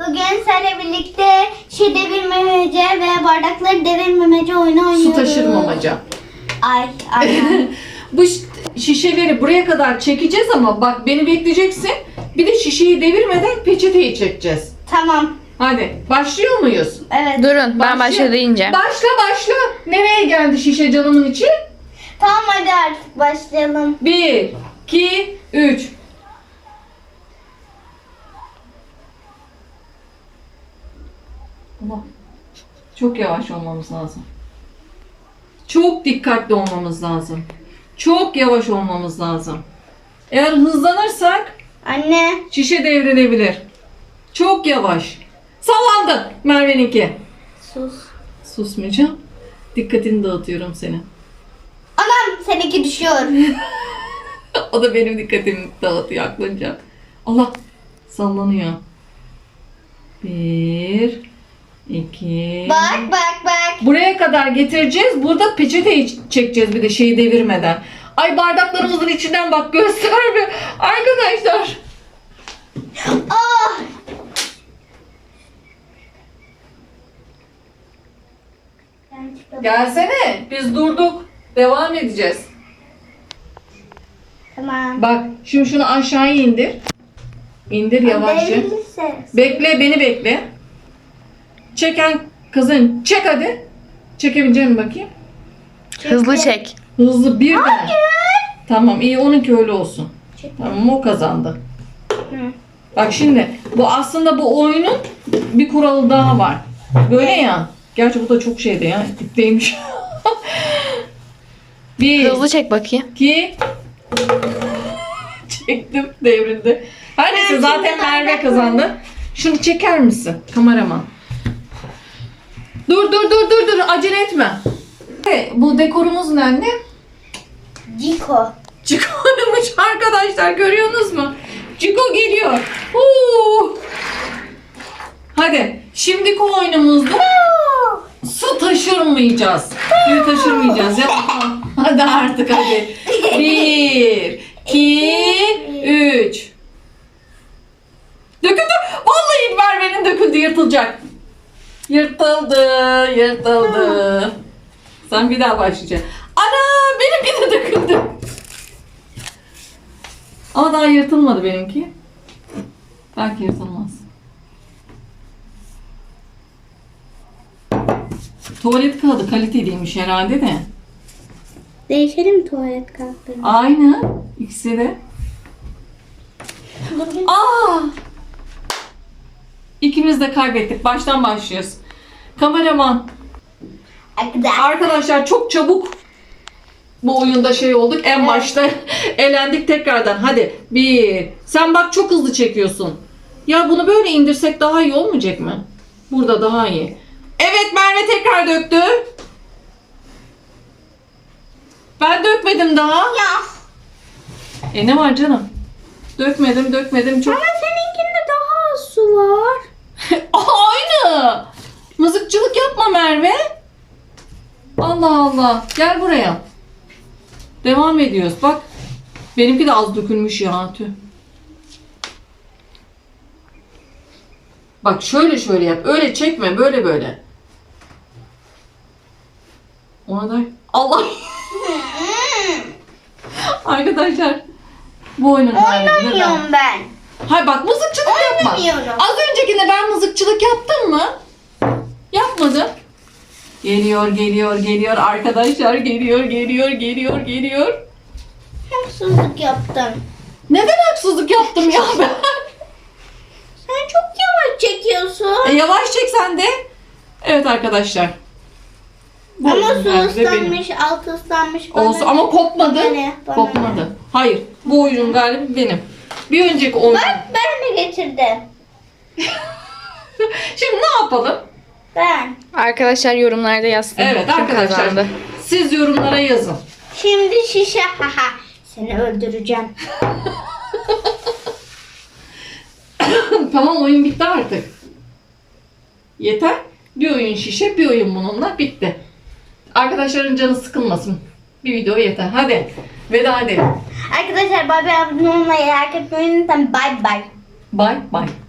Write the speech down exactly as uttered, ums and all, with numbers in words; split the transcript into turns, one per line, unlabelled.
Bugün seninle birlikte şişe devirmemece ve bardakları devirmemece oyunu oynuyoruz.
Su taşırmamaca.
Ay aynen.
Bu şişeleri buraya kadar çekeceğiz ama bak beni bekleyeceksin. Bir de şişeyi devirmeden peçeteyi çekeceğiz.
Tamam.
Hadi başlıyor muyuz?
Evet.
Durun ben başla deyince.
Başla başla. Nereye geldi şişe canımın içi?
Tamam hadi artık başlayalım.
Bir, iki, üç. Ama çok yavaş olmamız lazım. Çok dikkatli olmamız lazım. Çok yavaş olmamız lazım. Eğer hızlanırsak
Anne.
şişe devrilebilir. Çok yavaş. Sallandı Merve'ninki.
Sus.
Susmayacağım. Dikkatini dağıtıyorum senin.
Anam seninki düşüyor.
O da benim dikkatimi dağıtıyor aklınca. Allah sallanıyor. Bir, iki.
Bak bak bak.
Buraya kadar getireceğiz. Burada peçeteyi çekeceğiz bir de şeyi devirmeden. Ay bardaklarımızın içinden bak göster bir. Arkadaşlar.
Ah.
Gelsene. Biz durduk. Devam edeceğiz.
Tamam.
Bak şimdi şunu aşağıya indir. İndir yavaşça.
Devrilirse.
Bekle beni bekle. Çeken kızın çek hadi. Çekebileceğim mi bakayım?
Hızlı çek.
Hızlı bir tane. Tamam iyi onunki öyle olsun.
Çek.
Tamam o kazandı.
Hı.
Bak şimdi bu aslında bu oyunun bir kuralı daha var. Böyle ya. Gerçi bu da çok şeydi ya. Dipteymiş. Bir,
Hızlı çek bakayım.
iki. Çektim devrildi. Her neyse
Ben
zaten
şimdi
Merve
bardak
kazandı. Şunu çeker misin kameraman? Dur dur dur dur dur acele etme. Evet, bu dekorumuz ne anne?
Ciko.
Ciko'ymuş arkadaşlar görüyorsunuz mu? Ciko geliyor. Huu. Hadi şimdiki oyunumuzda su taşırmayacağız. Suyu taşırmayacağız. Yapma. Hadi artık hadi. Bir, iki, üç. Döküldü. Vallahi Merve'nin döküldü yırtılacak. Yırtıldı, yırtıldı. Sen bir daha başlayacaksın. Ana benimki de döküldü. Ama daha yırtılmadı benimki. Belki yırtılmaz. Tuvalet kağıdı kaliteliymiş herhalde de.
Değişelim tuvalet kağıtlarını.
Aynı. İkisi de. Aa! İkimiz de kaybettik. Baştan başlıyoruz. Kameraman.
Arkadaşlar.
Arkadaşlar çok çabuk bu oyunda şey olduk. En
Evet.
başta elendik tekrardan. Hadi. Bir. Sen bak çok hızlı çekiyorsun. Ya bunu böyle indirsek daha iyi olmayacak mı? Burada daha iyi. Evet Merve tekrar döktü. Ben dökmedim daha.
Ya.
E ne var canım? Dökmedim dökmedim çok.
Ama seninkinde daha az su var.
Aynı. Mızıkçılık yapma Merve. Allah Allah. Gel buraya. Devam ediyoruz. Bak. Benimki de az dökülmüş ya. Tüh. Bak şöyle şöyle yap. Öyle çekme. Böyle böyle. Ona da... Allah. Arkadaşlar. Bu oyunun hali.
Oynamıyorum ben.
Hayır bak mızıkçılık yapma.
Oynamıyorum.
Az öncekinde ben mızıkçılık yaptım mı? Yapmadım. Geliyor, geliyor, geliyor. Arkadaşlar geliyor, geliyor, geliyor, geliyor.
Haksızlık yaptın.
Neden haksızlık yaptım ya ben?
Sen çok yavaş çekiyorsun.
E, yavaş çek sen de. Evet arkadaşlar. Bu
Ama
oyunun
su
galibi benim.
ıslanmış, altı ıslanmış. bana
Olsun
ne?
ama kopmadı.
Bana ne? Bana
Kopmadı.
ne?
Hayır. Bu oyunun galibi benim. Bir önceki oyun.
Bak ben de getirdim.
Şimdi ne yapalım?
Ben.
Arkadaşlar yorumlarda yazsın.
Evet
Kim
arkadaşlar.
kazandı?
Siz yorumlara yazın.
Şimdi şişe. Haha. Seni öldüreceğim.
Tamam oyun bitti artık. Yeter. Bir oyun şişe, bir oyun bununla bitti. Arkadaşların canı sıkılmasın. Bir video yeter. Hadi. Veda edelim.
Arkadaşlar bay bay abone olmayı, like etmeyi unutmayın. Bay bay.
Bye bye.